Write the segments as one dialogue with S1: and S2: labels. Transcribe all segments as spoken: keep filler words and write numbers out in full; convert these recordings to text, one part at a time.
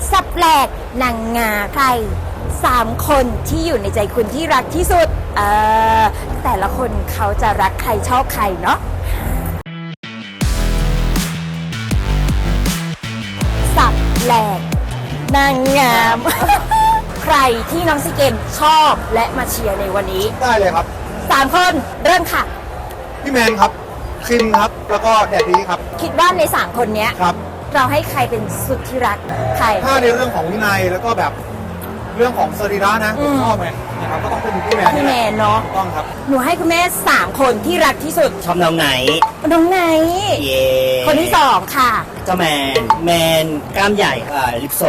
S1: สับแปลกนางงาใครสามคนที่อยู่ในใจคุณที่รักที่สุดเออแต่ละคนเขาจะรักใครชอบใครเนาะสับแปลกนางงาม ใครที่น้องซีเกมชอบและมาเชียร์ในวันนี้
S2: ได้เลยครับ
S1: สามคนเริ่มค่ะ
S2: พี่แมนครับคิมครับแล้วก็แดดดี้ครับ
S1: คิดว่าในสามคนเนี้ย
S2: ครับ
S1: เราให้ใครเป็นสุดที่รักใคร
S2: ถ้าในเรื่องของวินัยแล้วก็แบบเรื่องของสรีระนะผมชอบไงนะครับก็ต้องเป็นพี่แมน
S1: พี่แมนเนาะ
S2: ต้องครับ
S1: หนูให้คุณแม่สามคนที่รักที่สุด
S3: ชอบน้องไหน
S1: น้องไหน
S3: เย่
S1: คนที่สองค่ะ
S3: เจ้าแมนแมนกล้ามใหญ่อ่าลิปโซ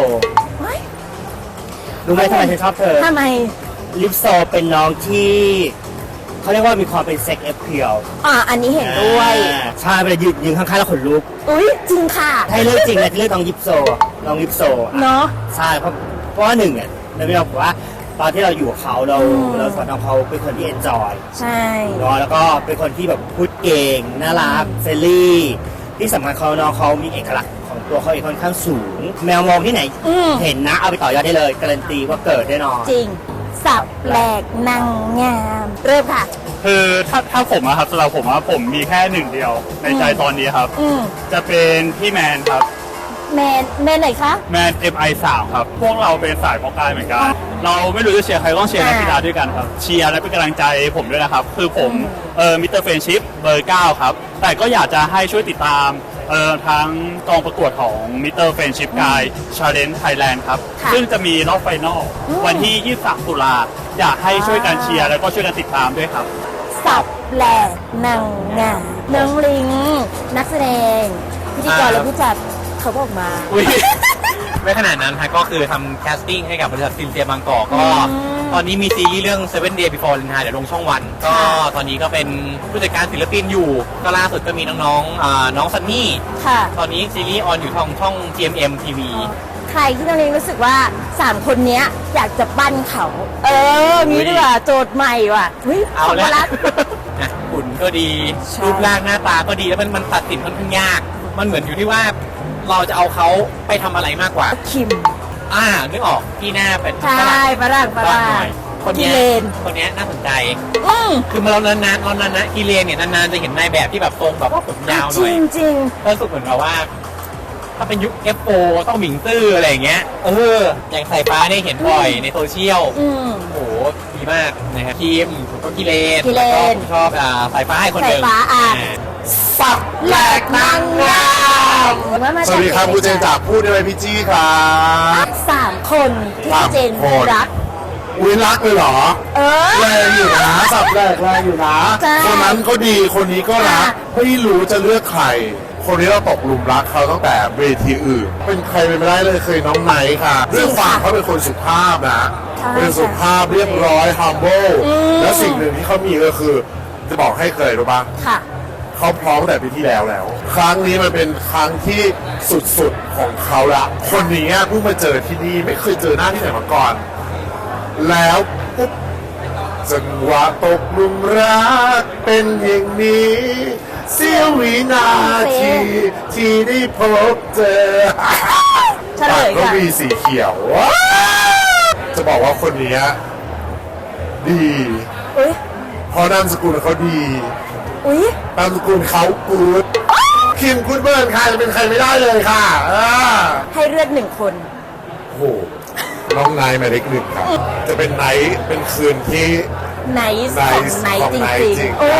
S3: รู้ไหมทำไมฉันชอบเธอ
S1: ทำไม
S3: ลิปโซเป็นน้องที่เขาเรียกว่ามีความเป็นเซ็กเอฟเพียว
S1: อ่าอันนี้เห็นด้วย
S3: ใช่เวลายืนยืนข้างๆแล้วขนลุก
S1: อุ้ยจริงค่ะ
S3: ให้เลือกจริงนะที่เลือกน้องลิปโซน้องลิปโซ
S1: เนาะ
S3: ใช่เพราะเพราะว่าหนึ่งเนี่ยเราไม่บอกว่าตอนที่เราอยู่กับเขาเราเราสอนน้องเขาเป็นคนที่เอนจอย
S1: ใช่
S3: เนาะแล้วก็เป็นคนที่แบบพูดเก่งน่ารักเฟรนลี่ที่สำคัญเขาน้องเขามีเอกลักษณ์ของตัวเขาเองค่อนข้างสูงแมวมองที่ไหนเห็นนะเอาไปต่อยอดได้เลยการันตีว่าเกิดแน่นอน
S1: จริงสับแปลกนางงามเริ่มค่ะ
S4: คือถ้าถ้าผมอะครับสำหรับผมอะผมมีแค่หนึ่งเดียวในใจตอนนี้ครับจะเป็นพี่แมนครับ
S1: แมนแมนไหนคะ
S4: แมน เอ็ม ไอ สาม ครับพวกเราเป็นสายเพาะกายเหมือนกันเราไม่รู้จะเชียร์ใครต้องเชียร์นักกีฬาด้วยกันครับเชียร์และเป็นกำลังใจผมด้วยนะครับคือผมเออมิสเตอร์เฟรนชิพเบอร์เก้าครับแต่ก็อยากจะให้ช่วยติดตามเอ่อทั้งกองประกวดของมิสเตอร์เฟรนชิพกายชาเลนจ์ไทยแลนด์ครับซึ่งจะมีรอบไฟนอลวันที่ยี่สิบสามตุลาอยากให้ช่วยกันเชียร์แล้วก็ช่วยกันติดตามด้วยครับ
S1: สับแปลกนางงามน้องลิงนักแสดงพิธีกรและผู้จัดเขาบอกมา
S5: ไม่ขนาดนั้นฮะก็คือทำแคสติ้งให้กับบริษัทฟิล์มเซียบางกอกก็ตอนนี้มีซีรีส์เรื่อง Seven Days Before Valentine เดี๋ยวลงช่องวันก็ตอนนี้ก็เป็นผู้จัดการศิลปินอยู่ก็ล่าสุดก็มีน้องๆน้องซันนี่ตอนนี้ซีรีส์ออนอยู่ทางช่อง จี เอ็ม เอ็ม ที วี
S1: ใครที่น้องลิงรู้สึกว่าสามคนนี้อยากจะปั้นเขาเออมีด้วยว่าโจทย์ใหม่ว่ะ
S5: เอาแล้วหุ่นก็ดีรูปร่างหน้าตาก็ดีแล้วมันมันตัดสินค่อนข้างยากมันเหมือนอยู่ที่ว่าเราจะเอาเขาไปทำอะไรมากกว่า
S1: คิม
S5: อ่านึกออกที่หน้าเป็น
S1: ใช่ฝรั่งฝรั่ง
S5: คนนี้คนนี้น่าสนใจคือมาเรานานๆเรานานๆกีเลนเนี่ยนานๆจะเห็นนายแบบที่แบบทรงแบบว่าผมยาวหน่อย
S1: จริงจริง
S5: รู้สึกเหมือนกับว่าถ้าเป็นยุค เอฟ โฟ ต้องหมิงตื้ออะไรอย่างเงี้ยเอออย่างสายฟ้าเนี่ยเห็นบ่อยในโซเชียลโอ้โหดีมากนะครับทีมผมก็กีเลนแล้วก็ผมชอบอ่าสายฟ้าให้คนเดิม
S1: สายฟ้าอ่ะ
S2: สับแหลกนางงามสวัสดีครับคุณเจนจากพูดได้ไหมพี่จี้ครับ
S1: สามคนที่เจนรัก
S2: อุ้ยรักเลยเหรอ
S1: เออ
S2: แรงอยู่นะสับแหลกแรงอยู่นะคนนั้นก็ดีคนนี้ก็รักไม่รู้จะเลือกใครคนนี้เราตกหลุมรักเขาตั้งแต่เวทีอื่นเป็นใครไปไม่ได้เลยเคยน้องไนท์ค่ะเรื่องฝั่งเขาเป็นคนสุภาพนะเป็นสุภาพเรียบร้อย humble และสิ่งหนึ่งที่เขามีก็คือจะบอกให้เคยรู้ป่ะเขาพร้อมแต่ปีที่แล้วแล้วครั้งนี้มันเป็นครั้งที่สุดๆของเขาละคนนี้เพิ่งมาเจอที่นี่ไม่เคยเจอหน้าที่ไหนมาก่อนแล้วปุ๊บจังหวะตกหลุมรักเป็นอย่างนี้เสี้ยววินาทีที่ได้พบเจอปากก็มีสีเขียวจะบอกว่าคนนี้ดีเพราะนามสกุลเขาดีนามสกุลเขากูดคิมกูดเบิร์นใครจะเป็นใครไม่ได้เลยค่ะ
S1: ให้เลือกหนึ่งคน
S2: โอ้น้องไนท์หมายเลขหนึ่งครับจะเป็นไนท์เป็นคืนที่
S1: ไนท์ของไนท์จริงๆ